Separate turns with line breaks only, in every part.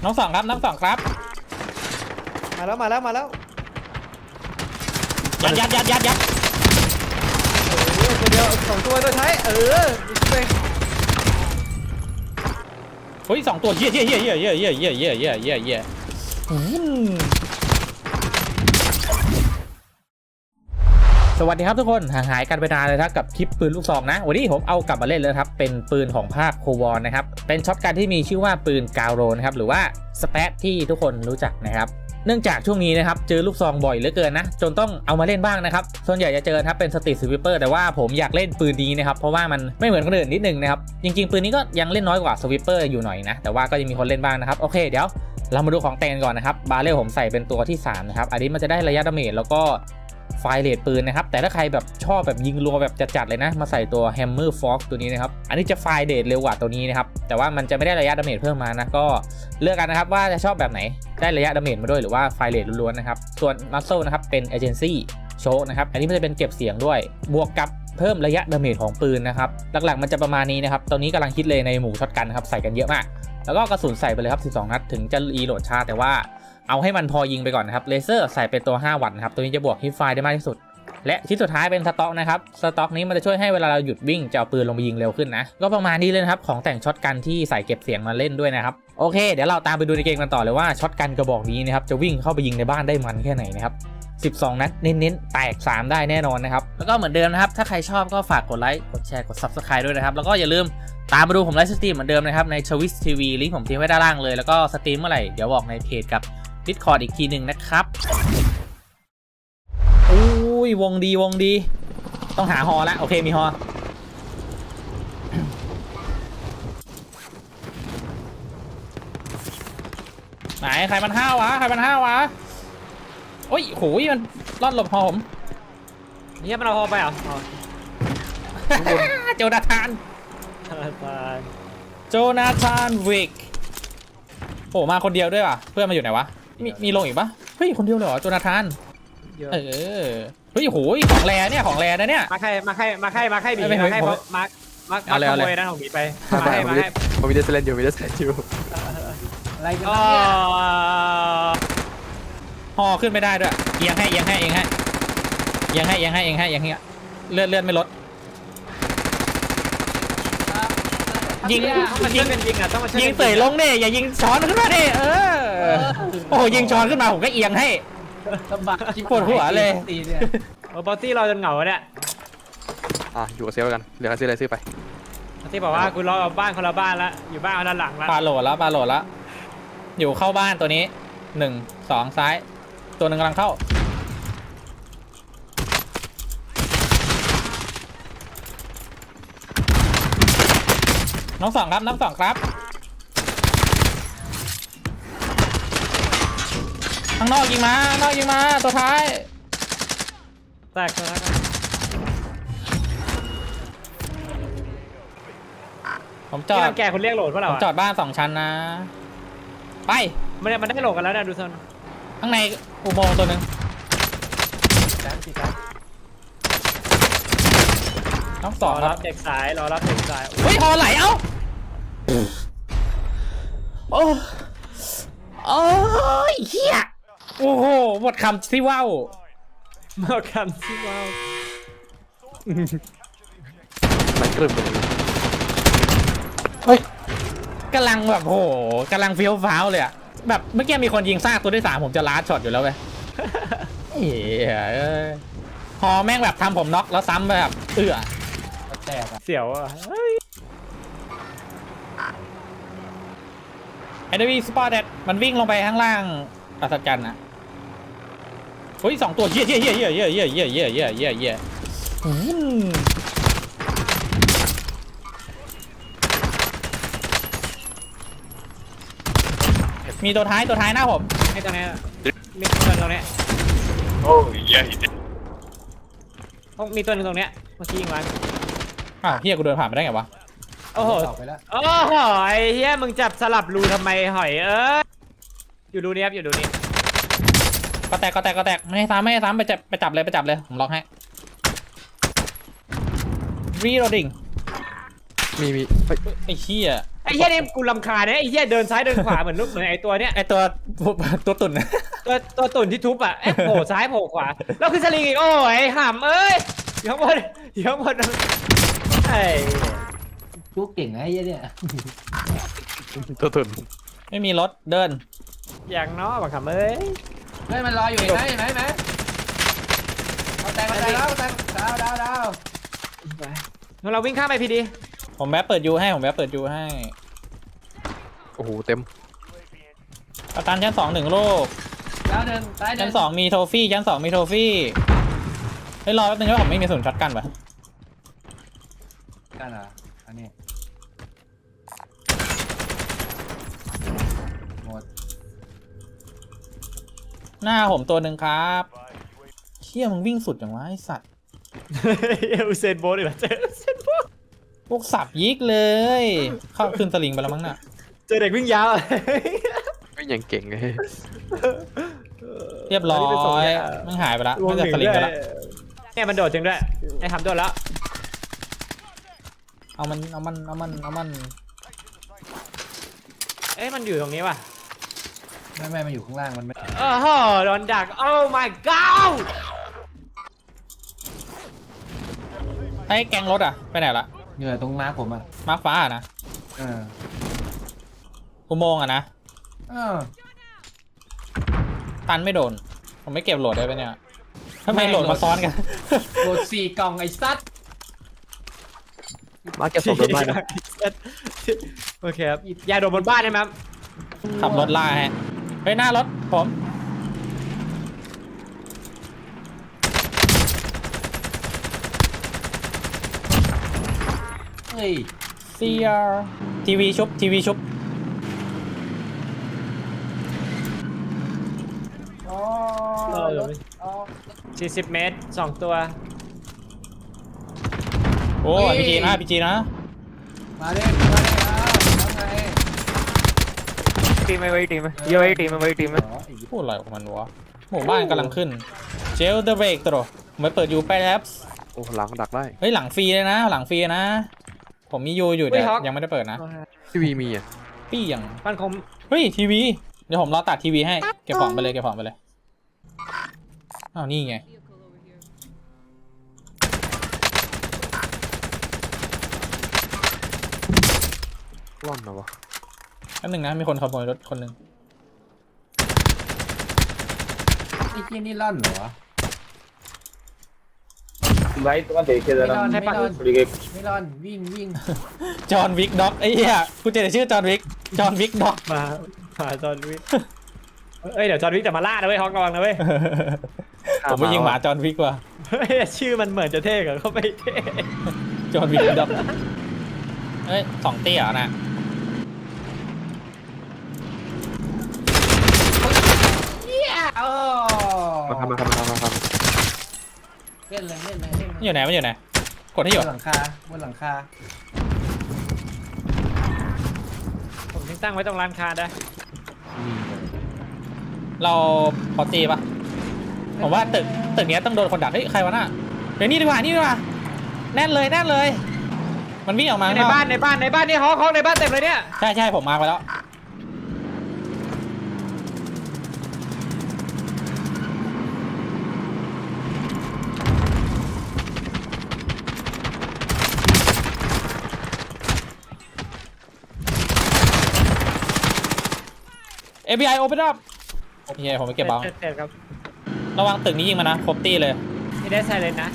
น้องสองครับน้องสองครับ
มาแล้ว
ยัด
ตัวเดียว2ตัวตัวท้ายไป
เฮ้ย2ตัวเย่สวัสดีครับทุกคนห่างหายกันไปนานเลยครับกับคลิปปืนลูกซองนะวันนี้ผมเอากลับมาเล่นเลยครับเป็นปืนของภาคโควอนนะครับเป็นช็อตกันที่มีชื่อว่าปืนกาวโรนะครับหรือว่าสเปซที่ทุกคนรู้จักนะครับเนื่องจากช่วงนี้นะครับเจอลูกซองบ่อยเหลือเกินนะจนต้องเอามาเล่นบ้างนะครับส่วนใหญ่จะเจอครับเป็นสตรีทสวิปเปอร์แต่ว่าผมอยากเล่นปืนนี้นะครับเพราะว่ามันไม่เหมือนคนอื่นนิดนึงนะครับจริงๆปืนนี้ก็ยังเล่นน้อยกว่าสวิปเปอร์อยู่หน่อยนะแต่ว่าก็ยังมีคนเล่นบ้างนะครับโอเคเดี๋ยวเรามาดูของแต่งก่อนนะครับบาเรลผมใส่เป็นตัวที่3นะครับอันนี้มันจะได้ระยะดาเมจแล้วก็ไฟเลทปืนนะครับแต่ถ้าใครแบบชอบแบบยิงรัวแบบจัดๆเลยนะมาใส่ตัว Hammer Fox ตัวนี้นะครับอันนี้จะไฟเลทเร็วกว่าตัวนี้นะครับแต่ว่ามันจะไม่ได้ระยะดาเมจเพิ่มมานะก็เลือกกันนะครับว่าจะชอบแบบไหนได้ระยะดาเมจมาด้วยหรือว่าไฟเลทล้วนๆนะครับส่วน Muzzle นะครับเป็น Agency โชคนะครับอันนี้มันจะเป็นเก็บเสียงด้วยบวกกับเพิ่มระยะดาเมจของปืนนะครับหลักๆมันจะประมาณนี้นะครับตอนนี้กำลังคิดเลยในหมู่ช็อตกันครับใส่กันเยอะมากแล้วก็กระสุนใส่ไปเลยครับ12นัดถึงจะรีโหลดช้าแต่ว่าเอาให้มันพอยิงไปก่อนนะครับเลเซอร์ใส่เป็นตัว5วัตต์นะครับตัวนี้จะบวกฮิตไฟได้มากที่สุดและชิ้นสุดท้ายเป็นสต็อกนะครับสต็อกนี้มันจะช่วยให้เวลาเราหยุดวิ่งจะเอาปืนลงไปยิงเร็วขึ้นนะก็ประมาณนี้เลยนะครับของแต่งช็อตกันที่ใส่เก็บเสียงมาเล่นด้วยนะครับโอเคเดี๋ยวเราตามไปดูในเกมกันต่อเลยว่าช็อตกันกระบอกนี้นะครับจะวิ่งเข้าไปยิงในบ้านได้มันแค่ไหนนะครับ12นัดเน้นๆแตก3ได้แน่นอนนะครับแล้วก็เหมือนเดิมนะครับถ้าใครชอบก็ฝากกดไลค์กดแชร์กด Subscribe ด้วยนะครับแล้วก็อย่าลืมตามมาดูผมไลฟ์สตรีมเหมือนเดิมนะครับในTwitch TVลิงก์ผมทิ้งไว้ด้านล่างเลยแล้วก็สตรีมเมื่อไหร่เดี๋ยวบอกในเพจกับ Discord อีกทีหนึ่งนะครับอุ้ยวงดีต้องหาฮอแล้วโอเคมีฮอไหนใครมันห้าวะโอ้ยโหมันรอดหลบฮอผม
นี่มันเอาฮอไปเหรอ
โจนาธานวิกโอ้มาคนเดียวด้วยว่ะเพื่อนมาอยู่ไหนวะมีลงอีกปะเฮ้ยคนเดียวเลยเหรอโจนาธานเฮ้ยโหของแรเนี่ยของแรนะเนี่ย
มาใครบีมาใครมาขโมยนะของบีไปมาให้
ผมมีเดสเลนอยู่
อะไรกัน
เนี่ยห่อขึ้นไม่ได้ด้วยเอียงให้เลื่อนไม่ลดยิงเตะลงเนี่ยอย่ายิงช้อนขึ้นมาดิโอ้ยิงช้อนขึ้นมาผมก็เอียงให้
ลำบาก
ปวดหัวเลย
บอสซี่เราจนเหงาเนี่ย
อยู่กับเซลกันเหลือซื้ออะไรซื้อไป
บอสซี่บอกว่าคุณรอบ้านคนละบ้านแล้วอยู่บ้านคนละหลังแล้ว
ปาโหลดแล้วอยู่เข้าบ้านตัวนี้1 2ซ้ายตัวหนึ่งกำลังเข้าน้องสองครับข้างนอกยิงมาตัวท้าย
แตกแล้ว
ผมจอด
แกคนเรียกโหลดเพราะเรา
จอดบ้าน2ชั้นนะไป
มันได้โหลดกันแล้วนะดูซน
ข้างในอุโมงค์ตัวหนึ่งน้องสอง
รับเด็กสาย
เฮ้ยฮอไหลเอ้าโอ้ยเฮียโอ้โหหมดคำที่ว้าว
มันกรึบเลย
เฮ้ยกำลังแบบโหกำลังเฟี้ยวฟ้าวเลยอะแบบเมื่อกี้มีคนยิงซากตัวที่3ผมจะล้าช็อตอยู่แล้วเว้ยฮอแม่งแบบทำผมน็อกแล้วซ้ำแบบ
แตกเสียวอ่ะ
ไอ้เดวี่สปอร์ตมันวิ่งลงไปข้างล่างอัศจรรย์นะเฮ้ย2ตัวเย่มีตัวท้ายหน้าผม
ให้ตรงนี้มีตัวตรงนี้
โอ้ยเหี้ย
มีตัวนึงตรงนี้เมื่อกี้ยิงมัน
เฮียกูเดินผ่านไปได้ไงวะ
โอ้โหไอ้เฮียมึงจับสลับรูทำไมหอยอยู่ดูนี้ครับอยู่ดูนี้
ก็แตกไม่ให้ซ้ำไปจับเลยผมล็อกให้reloading
มีเฮ้ย
ไอ้เหี้ย
ไอ้เหี้ยนี่กูรำคาญนะไอ้เหี้ยเดินซ้ายเดินขวาเหมือนไอ้ตัวเนี้ย
ไอ้ตัวตุ่นนะ
ตัวตุ่นที่ทุบอ่ะเอ๊ะโผล่ซ้ายโผล่ขวาแล้วคือสลิงอีกโอ้ยห่ำเอ้ยอยู่ข้างบนอยู่ข้างบนไอ้
จุกเก่งนะไอ้เหี้ยเนี่ย
ตัวตุ่น
ไม่มีรถเดิน
อย่างน้อยบังคับเอ้ย
เฮ้ยมันรออยู่เห็นไหมเห็นไหมเอาแตงแล้วแตงดาว
งั้นเราวิ่งข้ามไปพีดี
ผมแวะเปิดยูให้ผมแวะเปิดยูให้
โอ้โหเต็ม
ประกันชั้น2 1ลูก
ดาวหนึ่งตายหนึ่
ชั้
ง
น2มีโทฟี่ชั้น2มีโทฟี่เฮ้ยรอแป๊บนึงว่าผมไม่มีส่วนช็อตกันปะ
กันเหรออันนี้หมด
หน้าผมตัวหนึ่งครับเชี่ยมึงวิ่งสุดอย่างวะไอสัตว์
อุเซนโบล์อีกแล้วเจออุเซนโบล์
พวกสับยิกเลยเข้าขึ้นสลิงไปแล้วมั้งน่ะ
เจอเด็กวิ่งยาวอะ
ไม่อย่างเก่งเลย
เรียบร้อยมันหายไปแล้วมันจะสลิงไปแล้ว
เนี่ยมันโดดจริงด้วยไอ้ทำโดดแล้ว
เอามัน
เอ้ยมันอยู่ตรงนี้ว่ะ
ไม่มันอยู่ข้างล่างมันไม่
โอ้โหโดนดักโอ้ my god
ไอ้แกงรถอ่ะไปไหนละ
เหงื่อตรงม้าผมอ่ะ
มาร์คฟ้าอะนะ
เออ
อุโมงค์อะนะ
เออ
ตันไม่โดนผมไม่เก็บโหลดได้ไปเนี่ยทำไมโหลดมาซ้อนกัน
โหลด4 กล่องไอ้ซัด
มาเก็บศพบนบ้านนะ
โอเคครับยาโดนบนบ้านใช่ไหมครับ
ขับรถล่าฮะไปหน้ารถผม
เฮ้ย
เซียทีวีชุบ
อ๋อรถอ๋อ
40 เมตร 2 ตัว
โอ้พีจีนะ
มาเด้แล้วไง
ทีมไว้ทีมเยอะไว้ทีมไว้ทีม
อ๋อไอ้เหี้ย
พูดอะไรของมันวะหมู่บ้านกำลังขึ้นเจลเดอะเบรกตัวผมไปเปิดยูไปแล้ว
โอ้หลังดักได้
เฮ้ยหลังฟรีเลยนะหลังฟรีนะ ผมมียูอยู่แต่ยังไม่ได้เปิดนะ
ทีวีมีอ่ะ
ปี้ยัง
มันคม
เฮ้ยทีวีเดี๋ยวผมรอตัดทีวีให้เก็บของไปเลยอ้าวนี่ไง
ร่อนนะวะ
แป๊บนึงนะมีคนขโมยรถคนหนึ่ง
ไอ้เหี้ยนี่ร่อนเหรอวะ
Vai, tu mantém que
ไม่
era
ร่อนไม่ร่อน
liguei.
ไม่ร่อนวิ่ง
จอห์นวิกด็อกไอ้เหี้ยกูจะชื่อจอห์นวิกด็อก
มาจอห์นวิกเอ้ยเดี๋ยวจอห์นวิกจะมาล่านะเว้ยฮอกระวังนะเว้ย
ผมไปยิงหมาจอห์นวิกว่ะ
เฮ้ยชื่อมันเหมือนจะเท่กับเขาไม่เท่
จอห์นวิกด็อกเฮ้ย2 เตี้ยนะ
โอ้
มาทำ
เล่นเลย
มันอยู่ไหนกดให้หย
บ
ด
นหลังคา
ผมทิ้งตั้งไว้ตรงร้านค้าได้
เราพอตีปะผมว่าตึกเนี้ยต้องโดนคนดักเฮ้ยใครวะน่ะเดี๋ยวนี่ดีกว่าแน่นเลยมันวิ่งออกมา
ในบ้านนี่ฮอกในบ้านเต็มเลยเนี่ย
ใช่ผมมาไปแล้วFBI open up โอเคผมไปเก็บบ้าง
เสร็จครับ
ระวังตึกนี้ยิงมานะครบตีเลย
นี่ได้ไซเลนนะ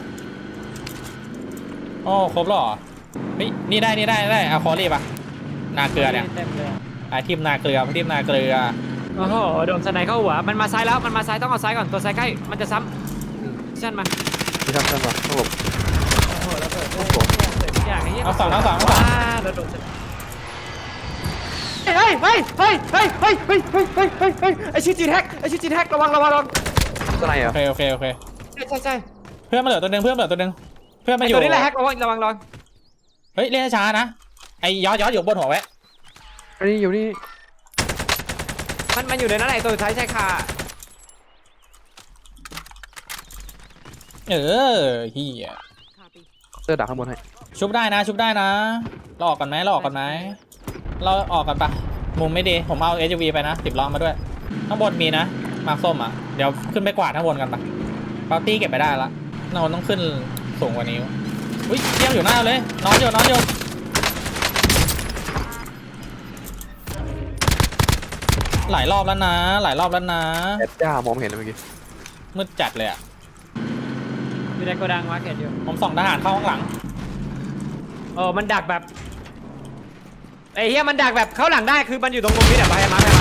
โอ้ครบแล้วเหรอเฮ้ยนี่ได้เอาคอรีบอะนาเกลือเนี่ย
เต็มเลย
ทีมนาเกลือ
โอ้โหโดนสไนเข้าหัวมันมาซ้ายแล้วมันมาซ้ายต้องเอาซ้ายก่อนตัวซ้ายใกล้มันจะซ้ำชั่นมา
ที่ทำกันวะต้องหลบ
โอ้โหแล้วเปิดอย่างนี้
เอาสอง
แล้วโดนเฮ้ยไอชื่อจีนแฮกระวัง
สไนอ่ะ
โอเค
ใช่
เพื่อนมาเหลือตัวหนึ่งเพื่อนมาอ
ไอยู่ ตัวนี้แหละแฮกระวัง
เฮ้ยเล่นช้านะไอ้ยอดอยู่บนหัวแวะ
อันนี้อยู่นี่
มันอยู่ในนั้นแหละตัวสุดท้ายใช่ค่ะ
เฮีย
เสื้อดักข้างบนให้
ชุบได้นะชุบได้นะเราออกกันไหมเราออกกันไหมเราออกกันปะมุมไม่ดีผมเอา SUV ไปนะ10 ล้อมาด้วยข้างบนมีนะมาส้มอ่ะเดี๋ยวขึ้นไปกวาดข้างบนกันปะปาร์ตี้เก็บไปได้ละเราต้องขึ้นสูงกว่านี้อุ้ยเยี่ยมอยู่หน้าเลยนอนอยู่หลายรอบแล้วนะ
แอดจ้ามองไม่เห็นเลยเมื่อกี้
มืดจัดเลยอ่ะ
อยู่ในโกดังมาร์เก็ตอยู่
ผมส่องทหารเข้าข้างหลัง
มันดักแบบไอ้เหี้ยมันดักแบบเข้าหลังได้คือมันอยู่ตรงมุมนี้แบบไปมาอะ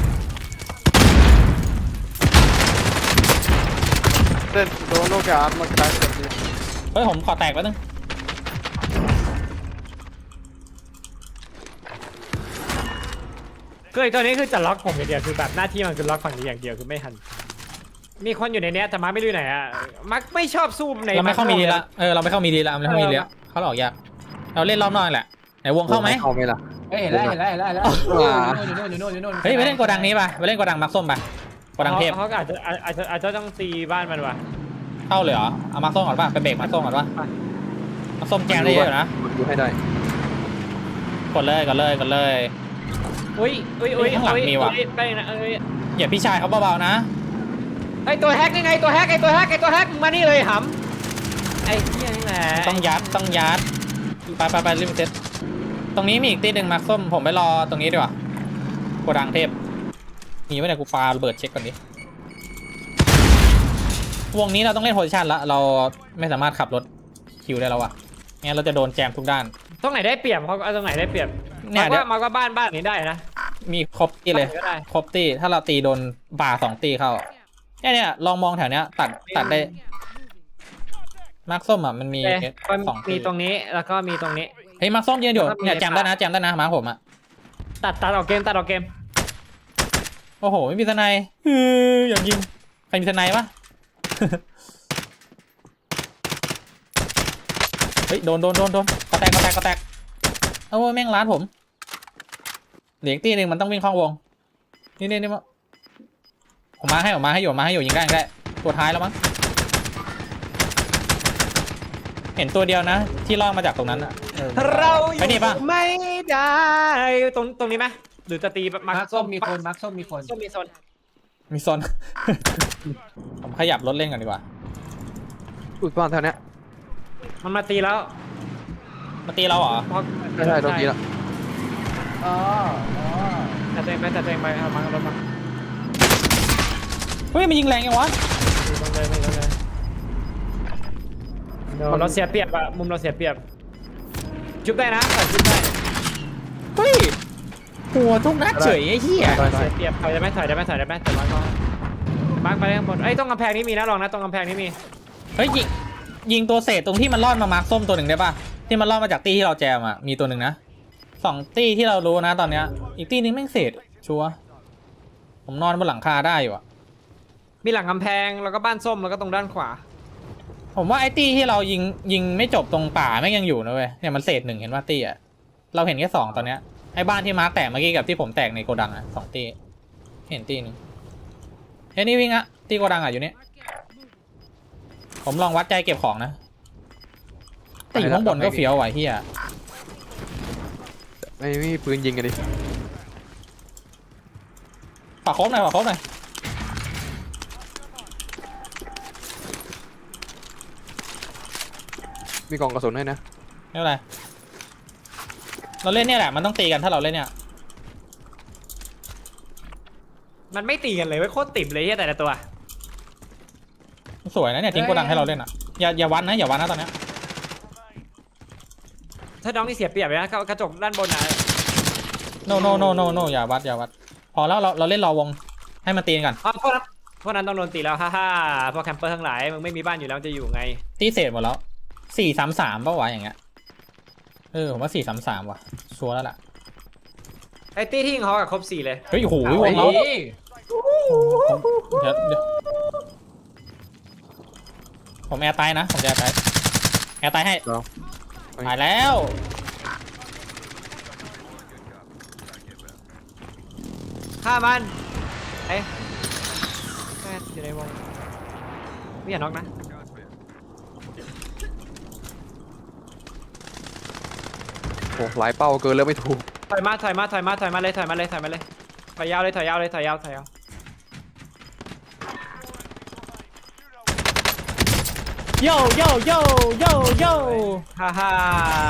เต้นโดนโลกามันกระจายแบบนี้
เฮ้ยผมขอแตกแล้วนึง
คือไอ้ตัวนี้คือจะล็อกผมอย่างเดียวคือแบบหน้าที่มันคือล็อกฝั่งนี้อย่างเดียวคือไม่หันมีคนอยู่ในเนี้ยแต่มาร์คไม่รู้ไหนอ่ะมาร์คไม่ชอบสู้ใน
เราไม่เข้ามีดีละเราไม่เข้ามีดีละเขาหลอกยากเราเล่นรอบนอกแหละไหนวงเข้าไหม
เข้าไหมล่ะ
เฮ้ยเห็นแล้วอยู่นู่น
เฮ้ยไปเล่นโกดังนี้ป่ะไปเล่นโกดังมักส้มป่ะโกดังเทพ
เขาอาจจะต้องตีบ้านมันว่ะ
เข้าเลยเหรอเอามักส้มก่อนป่ะไปเบรกมักส้มก่อนป่ะมักส้มแกงได้เยอะนะ
มันดูให้ได้
กดเลย
อุ้ยไปนะ
อย่าพี่ชายเขาเบาๆนะ
ไอตัวแฮกนี่ไงตัวแฮกมานี่เลยหำไอ้เหี้ยนี่แหละ
ต้องยัดไปริมเซ็ตตรงนี้มีอีกตีหนึ่งมักส้มผมไปรอตรงนี้ดีกว่าโกดังเทพมีไว้ไหนกูปาระเบิดเช็คก่อนดิวงนี้เราต้องเล่นโพซิชันละเราไม่สามารถขับรถคิวได้แล้วอะงั้นเราจะโดนแจมทุกด้าน
ตรงไหนได้เปรียบเขาเอาตรงไหนได้เปรียบ
เนี่ย
มาก็บ้านนี้ได้นะ
มีครบตีเลย
ก็ได้
ครบตีถ้าเราตีโดนบ่า2 ตีเข้าเนี่ยลองมองแถวเนี้ยตัดได้มาร์คส้มอ่ะมันมี 2 ตี
มีตรงนี้แล้วก็มีตรงนี้
เฮ้ยมาร์คส้มยืนอยู่เนี่ยแจมได้นะมาร์คผมอ่ะ
ตัดออกเกม
โอ้โหไม่มีทนายอยากยิงใครมีทนายปะ เฮ้ยโดนกระแตกโอ้แม่งร้านผมเหลียงตีหนึ่งมันต้องวิ่งเข้าวงนี่ผมมาให้อยู่ยิงได้ตัวท้ายแล้วมั้งเห็นตัวเดียวนะที่ล่อมาจากตรงนั้นอะ
เราอ
ไปนี่
ยู่
ปะ
ไม่ได้ตรงนี้ไหมหรือจะตีแบบ
มาร์คส้มมีคน
ส้มมีโซน
มีโซน ผมขยับรถเล่นกันดีกว่า
อุดบ้านแถวเนี้ย
มันมาตีแล้ว
มาตีเราเหรอ
ใช่โดนตีแล้ว
อ๋อ
แต่ตัวเองไปเอามารถมา
เฮ้ยมันยิงแรงยังวะ
ตรงเลยเราเสียเปรียบอะมุมเราเสียเปรียบจุบได้นะจุบได้
เฮ้ยหัวทุกนัดเฉยไอ้เหี้ย
เสียเปรียบถอยได้ไหมแต่ร้อยก็มาร์คไปข้างบนตรงกำแพงนี้มีนะลองนะตรงกำแพงนี้มี
เฮ้ยยิงตัวเศษตรงที่มันรอดมาร์คส้มตัวหนึ่งได้ป่ะที่มันรอดมาจากตีที่เราแจมอ่ะมีตัวหนึ่งนะ2 ตีที่เรารู้นะตอนเนี้ยอีกตีนึงแม่งเศษชัวร์ผมนอนบนหลังคาได้อยู่อ่ะ
มีหลังกำแพงแล้วก็บ้านส้มแล้วก็ตรงด้านขวา
ผมว่าไอ้ตีที่เรายิงไม่จบตรงป่าแม่งยังอยู่นะเว้ยเนี่ยมันเศษ1เห็นว่าตีอ่ะเราเห็นแค่2ตอนเนี้ยไอ้บ้านที่มาร์คแตกเมื่อกี้กับที่ผมแตกในโกดังอ่ะ2 ตีเห็นตีนึงเฮ้ยนี่วิ่งอ่ะตีโกดังอ่ะอยู่เนี่ยผมลองวัดใจเก็บของนะแต่อยู่ข้างบนก็เฟี้ยวว่ะเฮีย
ไม่มีปืนยิงกันดิ
ฝากครบหน่อย
มีกล่องกระสุนให้นะ
ไม่เป็นไรเราเล่นเนี่ยแหละมันต้องตีกันถ้าเราเล่นเนี่ย
มันไม่ตีกันเลยโคตรติ่มเลยแต่ละตัว
สวยนะเนี่ยทิ้งโกดังให้เราเล่นอ่ะอย่าวัดนะตอนเนี้ย
ถ้าน้องนี่เสียเปรียบเลยนะกระจกด้านบนนะ
โนอย่าวัดพอแล้วเราเล่นรอวงให้มันตีกัน
พวกนั้นต้องโดนตีแล้วฮ่าพวกแคมเปอร์ทั้งหลายมึงไม่มีบ้านอยู่แล้วจะอยู่ไง
ตีเศษหมดแล้ว4-3-3ป่ะวะอย่างเงี้ยผมว่า4-3-3ว่ะชัวร์แล้วล่ะ
ไอ้ตี้ที่ยิงเขากับครบ4เลย
เฮ้ยโอ้โหวงเราเดี๋ยวผมแอร์ตายนะผมจะแอร์ตายให้ตายแล้ว
ฆ่ามันอยู่ในวงไม่อย่าน็อกนะ
โอ้หลายเป้าเกินแล้วไม่ถูก
ถอยมาเลยถอยมาเลยถอยยาวเลยถอยยาวโยฮ่าฮ่า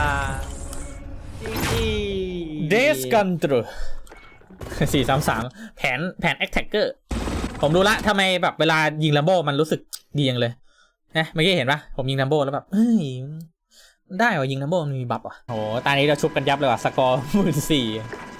จี
เดสกันตรู433แผนแอคแท็กเกอร์ผมรู้ละทำไมแบบเวลายิงลัมโบ้มันรู้สึกดีจังเลยนะเมื่อกี้เห็นปะผมยิงลัมโบ้แล้วแบบเฮ้ยได้ว่ะยิงลัมโบ้มันมีบัฟว่ะโหตอนนี้เราชุบกันยับเลยว่ะสกอร์14,000